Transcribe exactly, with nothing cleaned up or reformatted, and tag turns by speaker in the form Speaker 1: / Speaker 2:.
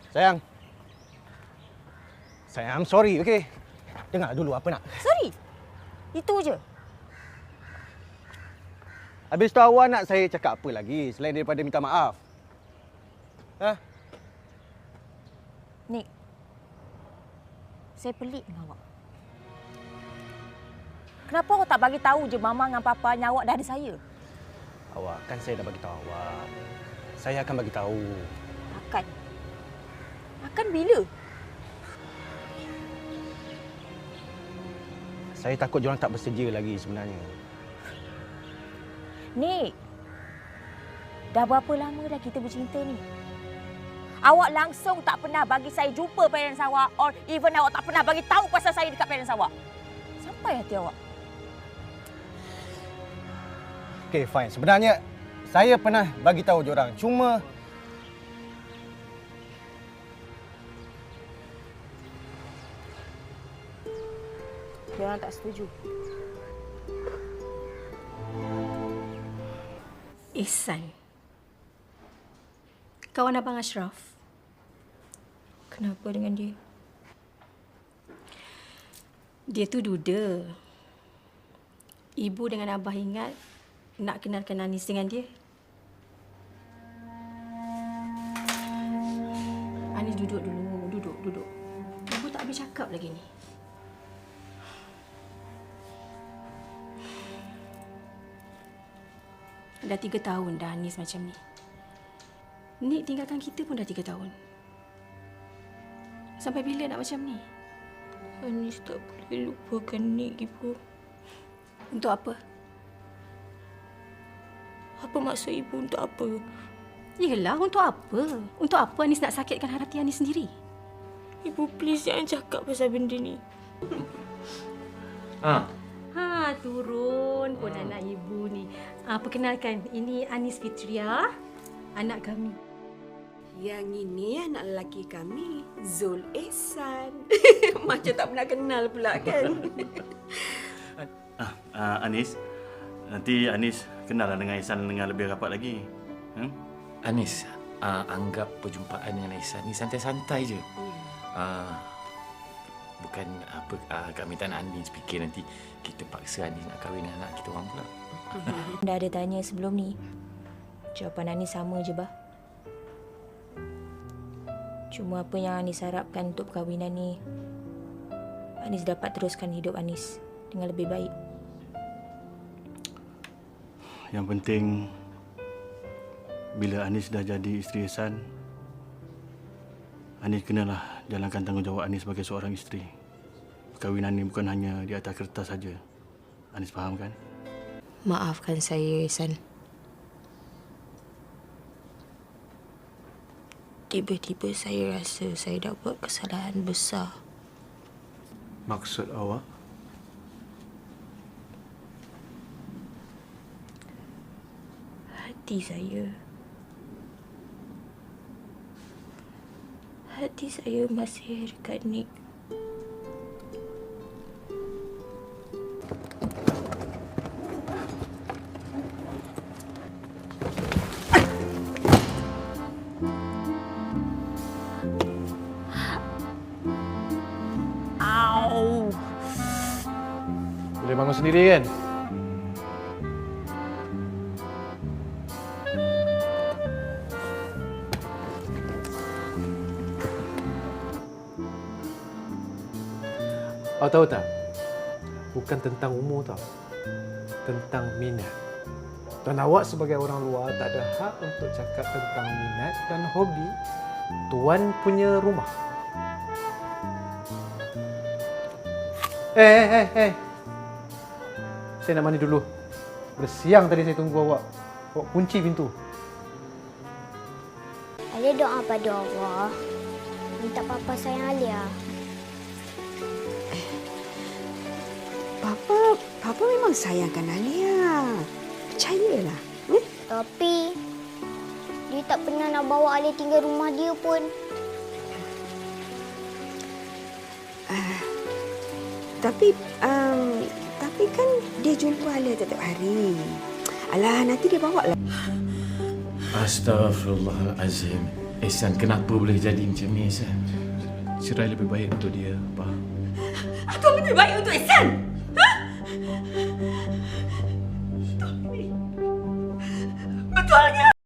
Speaker 1: Sayang. Sayang, I'm sorry, okey? Dengar dulu apa nak.
Speaker 2: Sorry? Itu je?
Speaker 1: Habis tu awak nak saya cakap apa lagi selain daripada minta maaf? Ha?
Speaker 2: Nik, saya pelik dengan awak. Kenapa awak tak bagi tahu je mama dengan papanya awak dah ada saya?
Speaker 1: Awak, kan saya dah bagi tahu awak. Saya akan bagi tahu.
Speaker 2: Akan? Akan bila?
Speaker 1: Saya takut diorang tak bersedia lagi sebenarnya.
Speaker 2: Nik, dah berapa lama dah kita bercinta ni? Awak langsung tak pernah bagi saya jumpa parents awak or even awak tak pernah bagi tahu pasal saya dekat parents awak. Sampai hati awak.
Speaker 1: Okey, fine. Sebenarnya saya pernah bagi tahu diorang. Cuma
Speaker 2: diorang tak setuju.
Speaker 3: Ihsan. Kawan Abang Ashraf.
Speaker 2: Kenapa dengan dia?
Speaker 3: Dia tu duda. Ibu dengan Abah ingat nak kenalkan Anis dengan dia. Anis duduk dulu. Duduk, duduk. Ibu tak habis cakap lagi ni. Dah tiga tahun dah Anis macam ni. Nik tinggalkan kita pun dah tiga tahun. Sampai bila nak macam ni?
Speaker 2: Anis tak boleh lupakan Nik, Ibu.
Speaker 3: Untuk apa?
Speaker 2: Apa maksud Ibu untuk apa?
Speaker 3: Yelah, untuk apa? Untuk apa Anis nak sakitkan hati Anis sendiri?
Speaker 2: Ibu please jangan cakap pasal benda ni.
Speaker 4: Ha.
Speaker 3: Ha, turun pun hmm. anak ibu ni. Ah, perkenalkan, ini Anis Fitria, anak kami.
Speaker 5: Yang ini anak lelaki kami, Zul Ihsan. Macam tak pernah kenal pula kan?
Speaker 4: ah, ah, Anis, nanti Anis kenal dengan Ihsan dengan lebih rapat lagi. Hmm?
Speaker 6: Anis, uh, anggap perjumpaan dengan Ihsan ni santai-santai je. Uh, bukan apa uh, kami tak nak Anis fikir nanti kita paksa Anis nak kahwin dengan anak kita orang pula.
Speaker 2: Dah ada tanya sebelum ni. Jawapan Anis sama je, Bah. Cuma apa yang Anis harapkan untuk perkahwinan ni, Anis dapat teruskan hidup Anis dengan lebih baik.
Speaker 4: Yang penting, bila Anis dah jadi isteri Ihsan, Anis kenalah jalankan tanggungjawab Anis sebagai seorang isteri. Perkahwinan ni bukan hanya di atas kertas saja. Anis faham kan?
Speaker 2: Maafkan saya, Ihsan. Tiba-tiba saya rasa saya dah buat kesalahan besar.
Speaker 4: Maksud awak?
Speaker 2: Hati saya... Hati saya masih dekat Nik. Au!
Speaker 1: Boleh bangun sendiri kan?
Speaker 7: Awak tahu tak? Bukan tentang umur tau. Tentang minat. Dan awak sebagai orang luar tak ada hak untuk cakap tentang minat dan hobi tuan punya rumah. Eh, eh, eh, eh. Saya nak mandi dulu. Dah siang tadi saya tunggu awak. Awak kunci pintu.
Speaker 8: Alia doa pada Allah. Minta papa sayang Alia.
Speaker 5: Papa, Papa memang sayangkan Alia. Percayalah. Hmm?
Speaker 8: Tapi dia tak pernah nak bawa Alia tinggal rumah dia pun.
Speaker 5: Uh, tapi, um, tapi kan dia jumpa Alia setiap hari. Alah, nanti dia bawa lah.
Speaker 6: Astaghfirullahalazim. Ehsan, kenapa boleh jadi macam ni, Ehsan?
Speaker 4: Cerai lebih baik untuk dia, Abah.
Speaker 5: Apa lebih baik untuk Ehsan? Ha? Betulnya.